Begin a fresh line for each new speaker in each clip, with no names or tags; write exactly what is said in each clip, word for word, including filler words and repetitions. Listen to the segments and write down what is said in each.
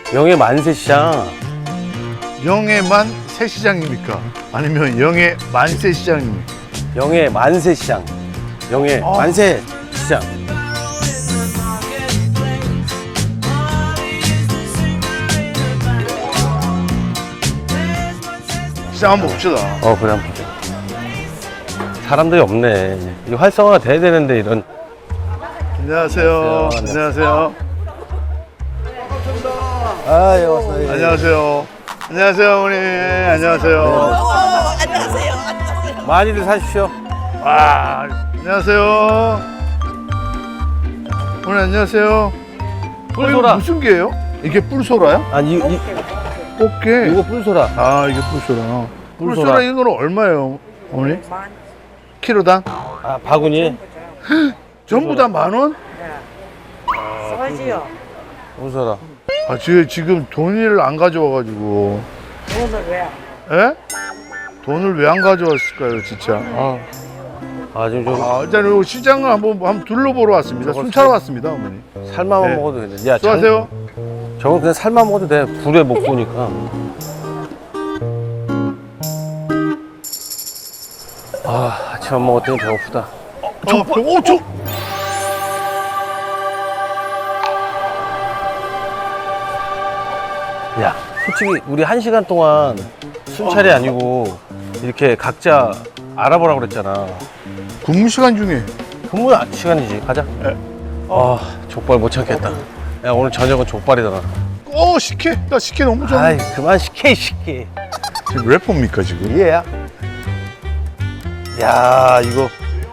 영해 만세시장.
영해만 새시장입니까? 아니면 영해 만세시장입니까?
영해 만세시장. 영해
어.
만세시장.
시장 한번 봅시다.
어, 그래, 한번 보자. 사람들이 없네. 이 활성화가 돼야 되는데, 이런.
안녕하세요.
안녕하세요.
안녕하세요.
아, 예, 왔어요.
안녕하세요. 안녕하세요, 어머니. 안녕하세요.
안녕하세요. 안녕하세요.
많이들 사십시오.
와, 안녕하세요. 어머니, 안녕하세요.
뿔소라.
어, 이거 무슨 게예요? 이게 뿔소라요?
아니, 이, 이,
꽃게.
이거 뿔소라.
아, 이게 뿔소라.
뿔소라.
뿔소라 이거는 얼마예요, 어머니? 키로당?
아, 바구니.
전부 다 만 원?
싸지요.
뿔소라.
아, 지금, 지금 돈을 안 가져와가지고.
오늘 왜?
에? 돈을 왜 안 가져왔을까요, 진짜?
아, 아, 지금 좀
아, 일단 요 시장을 한번, 한번 둘러보러 왔습니다.
저거
순찰 왔습니다, 어머니.
살만만
네.
먹어도 되는데. 야, 장-
수고하세요.
저건 그냥 살만 먹어도 돼. 불에 못 구우니까. 아, 아침 안 먹었더니 배고프다.
저, 오, 저.
야, 솔직히 우리 한 시간 동안 순찰이 아니고 이렇게 각자 알아보라고 그랬잖아.
근무 시간 중에.
근무 시간이지. 가자.
네.
아, 족발 못 참겠다. 야, 오늘 저녁은 족발이잖아.
어, 식혜. 나 식혜 너무 좋아.
아이, 그만 시켜, 시켜.
지금 래퍼입니까, 지금?
얘야. 야, 이거.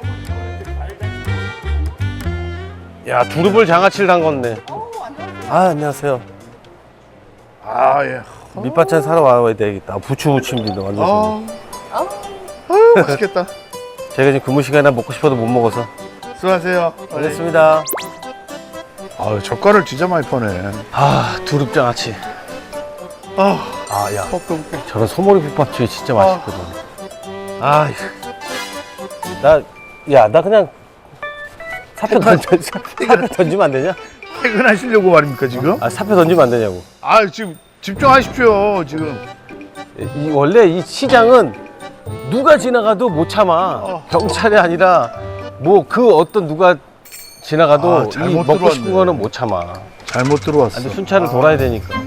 야, 두릅을 장아찌를 담궜네. 아, 안녕하세요.
아, 예.
밑반찬 사러 와야 되겠다. 부추 무침도 완전.
아, 아유, 맛있겠다.
제가 지금 근무 시간에 먹고 싶어도 못 먹어서.
수고하세요.
알겠습니다.
아, 젓갈을 진짜 많이 퍼네.
아, 두릅 장아찌.
아,
아, 야.
볶음, 볶음.
저런 소머리 국밥집이 진짜 맛있거든. 아, 나, 야, 나 그냥 사표 던져, 사표 던지면 안 되냐?
퇴근하시려고 말입니까, 지금?
아, 사표 던지면 안 되냐고.
아, 지금 집중하십시오, 지금.
이, 원래 이 시장은 누가 지나가도 못 참아.
어.
경찰이 아니라 뭐 그 어떤 누가 지나가도
아,
이
잘못
먹고 싶은
들어왔네.
거는 못 참아.
잘못 들어왔어.
근데 순찰을 돌아야 되니까.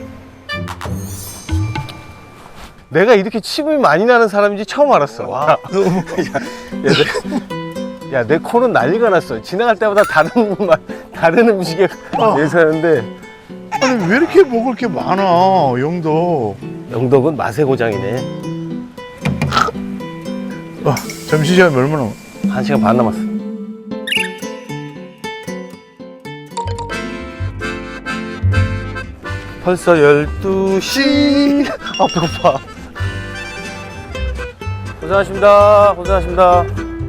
내가 이렇게 침이 많이 나는 사람인지 처음 알았어. 야, 야, 내, 야, 내 코는 난리가 났어. 지나갈 때마다 다른 맛, 다른 음식에
어.
내서는데
아니, 왜 이렇게 먹을 게 많아, 영도.
영덕은 맛의 고장이네.
아, 점심시간이 얼마나 남았-
한 시간 반 남았어. 벌써 열두 시. 아, 배고파. 고생하십니다. 고생하십니다.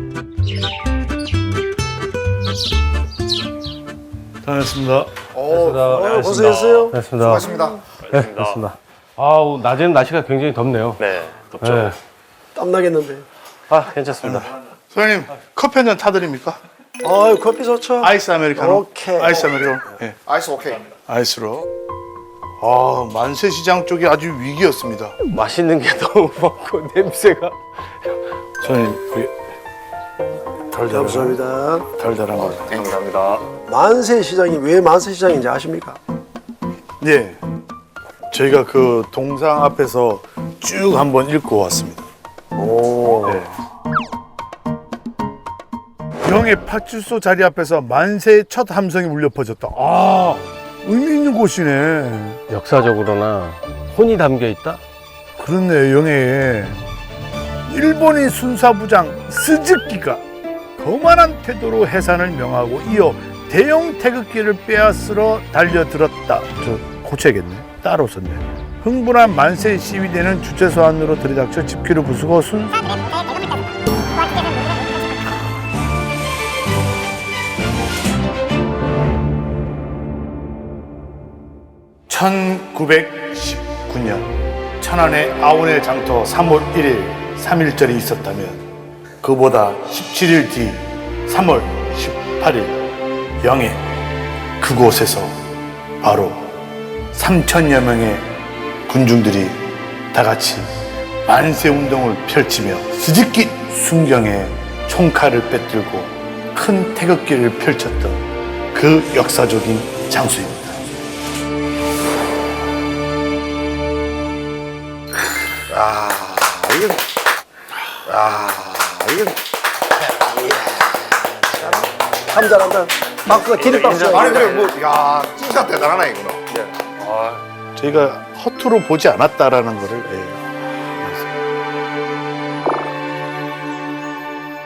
다녔습니다.
고생하셨습니다.
고생했어요.
고생하셨습니다.
수고하셨습니다.
네, 고생하셨습니다. 아우, 낮에는 날씨가 굉장히 덥네요.
네, 덥죠.
네.
땀 나겠는데.
아, 괜찮습니다.
소장님, 커피 한 잔 타드립니까?
아, 커피 좋죠.
아이스 아메리카노.
오케이.
아이스 아메리카노. 예.
아이스 오케이.
아이스로. 아, 만세시장 쪽이 아주 위기였습니다.
맛있는 게 너무 많고 냄새가.
소장님, 그 달달한,
감사합니다.
달달한 거.
감사합니다.
만세시장이 왜 만세시장인지 아십니까?
예. 저희가 그 동상 앞에서 쭉 한번 읽고 왔습니다.
오.
네. 영의 파출소 자리 앞에서 만세의 첫 함성이 울려 퍼졌다. 아, 의미 있는 곳이네.
역사적으로나 혼이 담겨 있다?
그렇네, 영해에. 일본인 순사부장 스즈키가 거만한 태도로 해산을 명하고 이어 대형 태극기를 빼앗으러 달려들었다. 저 고쳐야겠네. 따로 썼네. 흥분한 만세 시위대는 주최소 안으로 들이닥쳐 집기를 부수고 순 천구백십구 년 천안의 아운의 장터 삼월 일일 삼일절이 있었다면 그보다 십칠 일 뒤 삼월 십팔일 영해 그곳에서 바로 삼천여 명의 군중들이 다 같이 만세 운동을 펼치며 스즈키 순경에 총칼을 빼들고 큰 태극기를 펼쳤던 그 역사적인 장소입니다.
아, 이건, 아, 이건. 참 잘한다. 박수가 기립박수.
아니 그래 뭐 야 진짜 대단하네 이거는.
저희가 허투루 보지 않았다라는 것을 예,